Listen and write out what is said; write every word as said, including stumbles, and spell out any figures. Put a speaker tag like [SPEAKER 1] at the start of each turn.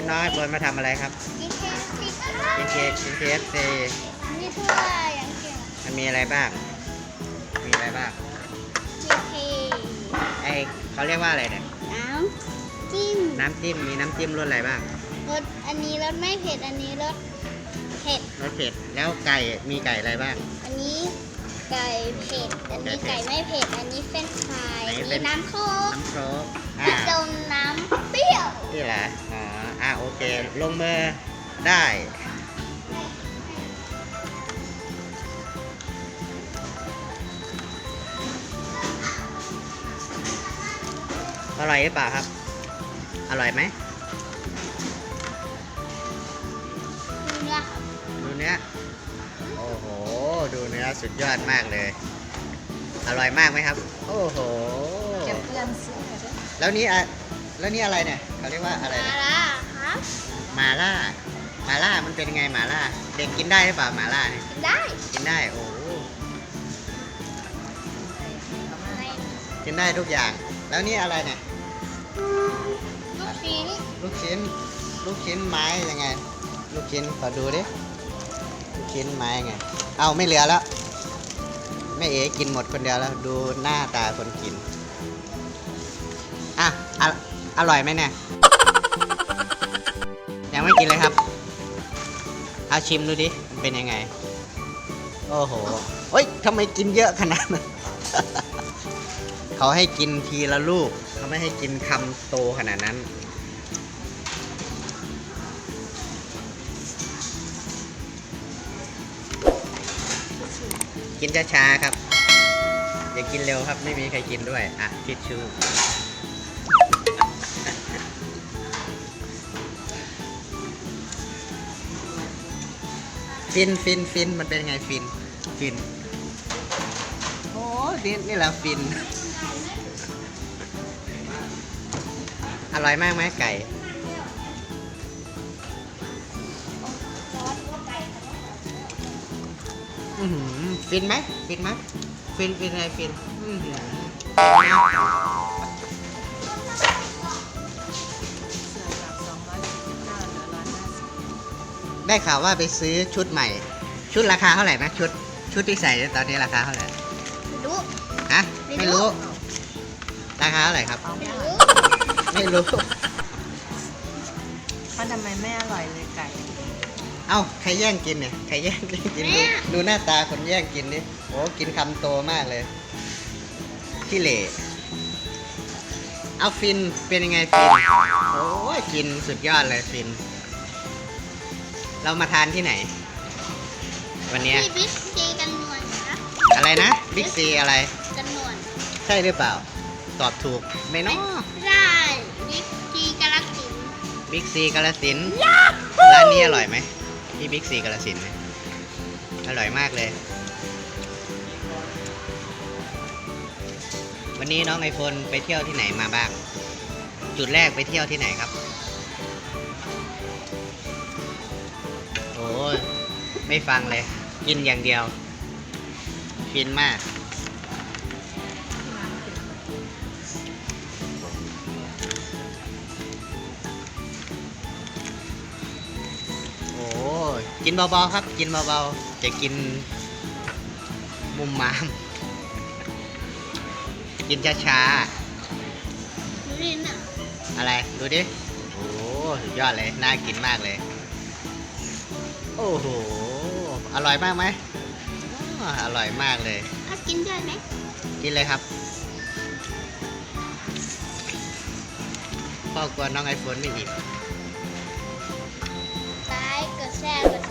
[SPEAKER 1] น้องไอโฟนมาทำอะไรครับกินเค้กกินเค้กซี
[SPEAKER 2] นี่ถ้วยอย่างเก่ง
[SPEAKER 1] มันมีอะไรบ้างมีอะไรบ้าง
[SPEAKER 2] เค้ก
[SPEAKER 1] ไอเขาเรียกว่าอะไรเนี่ย
[SPEAKER 2] น้ำจิ้ม
[SPEAKER 1] น้ำจิ้มมีน้ำจิ้มรสอะไรบ้าง
[SPEAKER 2] รสอันนี้รสไม่เผ็ดอันนี้รสเผ็ด
[SPEAKER 1] รสเผ็ดแล้วไก่มีไก่อะไรบ้าง
[SPEAKER 2] อันนี้ไก่เผ็ดอันนี้ไก่ไม่เผ็ดอันนี้เฟรนช์ฟรายอันนี้น้ำโค้ก
[SPEAKER 1] น้ำโค้ก
[SPEAKER 2] ผสมน้ำเปรี้ยว
[SPEAKER 1] นี่แหละอ๋ออ่ะโอเคลงมือได้อร่อยหรือเปล่าครับอร่อยไหม
[SPEAKER 2] ดูเนื้อ
[SPEAKER 1] ดูเนื้อโอ้โหดูเนื้อสุดยอดมากเลยอร่อยมากไหมครับโอ้โห
[SPEAKER 2] เก็บเพื่อนซื้อ
[SPEAKER 1] แล้วนี่อะแล้วนี่อะไรเนี่ยเขาเรียกว่าอะไร
[SPEAKER 2] มาล่าครับ
[SPEAKER 1] มาล่ามาล่ามันเป็นยังไงมาล่าเด็กกินได้หรือเปล่ามาล่าเนี่ย
[SPEAKER 2] กินได้
[SPEAKER 1] กินได้โอ้กินได้ทุกอย่างแล้วนี่อะไรเนี่ย
[SPEAKER 2] ลูกชิ้น
[SPEAKER 1] ลูกชิ้นลูกชิ้นไม้ยังไงลูกชิ้นขอดูดิลูกชิ้นไม้ไงเอาไม่เหลือแล้วแม่เอ๋กินหมดคนเดียวแล้วดูหน้าตาคนกินอ่ะออร่อยไหมเนี่ยยังไม่กินเลยครับเอาชิมดูดิมันเป็นยังไงโอ้โหเฮ้ยทำไมกินเยอะขนาดนั้น เขาให้กินทีละลูกเขาไม่ให้กินคำโตขนาดนั้นกินช้าๆครับอย่ากินเร็วครับไม่มีใครกินด้วยอ่ะทิชชู่ฟินฟินฟินมันเป็นไงฟินฟินโอ้นี่นี่แหละฟินอร่อยมากไหมไก่อือหือฟินไหมฟินไหมฟินฟินอะไรฟินอือหือได้ข่าวว่าไปซื้อชุดใหม่ชุดราคาเท่าไหร่นะชุดชุดที่ใส่ตอนนี้ราคาเท่าไหร่
[SPEAKER 2] ไม่รู้
[SPEAKER 1] ฮะไม่รู้ราคาเท่าไหร่ครับ
[SPEAKER 2] ไม่รู้
[SPEAKER 1] ไม่รู้
[SPEAKER 3] เขาทำไมไม่อร่อยเลยไก่
[SPEAKER 1] เอ้าใครแย่งกินเนี่ยใครแย่งกินดูหน้าตาคนแย่งกินนี่โอ้กินคำโตมากเลยขี้เหร่เอาฟินเป็นยังไงฟินโอ้ยกินสุดยอดเลยฟินเรามาทานที่ไหนวันนี้
[SPEAKER 2] ที่บิ๊กซีกันนวลนะ
[SPEAKER 1] อะไรนะบิ๊กซีอะไร
[SPEAKER 2] กันนวล
[SPEAKER 1] ใช่หรือเปล่าตอบถูกไหมเนาะ
[SPEAKER 2] ใช่บิ๊กซีกาลสิน
[SPEAKER 1] บิ๊กซีกาลสินร้านนี้อร่อยไหมที่บิ๊กซีกาลสินอร่อยมากเลยวันนี้น้องไอโฟนไปเที่ยวที่ไหนมาบ้างจุดแรกไปเที่ยวที่ไหนครับโอ้ยไม่ฟังเลยกินอย่างเดียวฟินมากโอ้กินเบาๆครับกินเบาๆจะกินมุมมามกินช้าๆอะไรดูดิโอ้สุดยอดเลยน่ากินมากเลยโอ้โหอร่อยมากไหมอร่อยมากเลย
[SPEAKER 2] ถ้ากินได้ไหม
[SPEAKER 1] กินเลยครับพ่อกลัวน้องไอโฟนไม่อิ่ม
[SPEAKER 2] ไลค์กดแชร์กด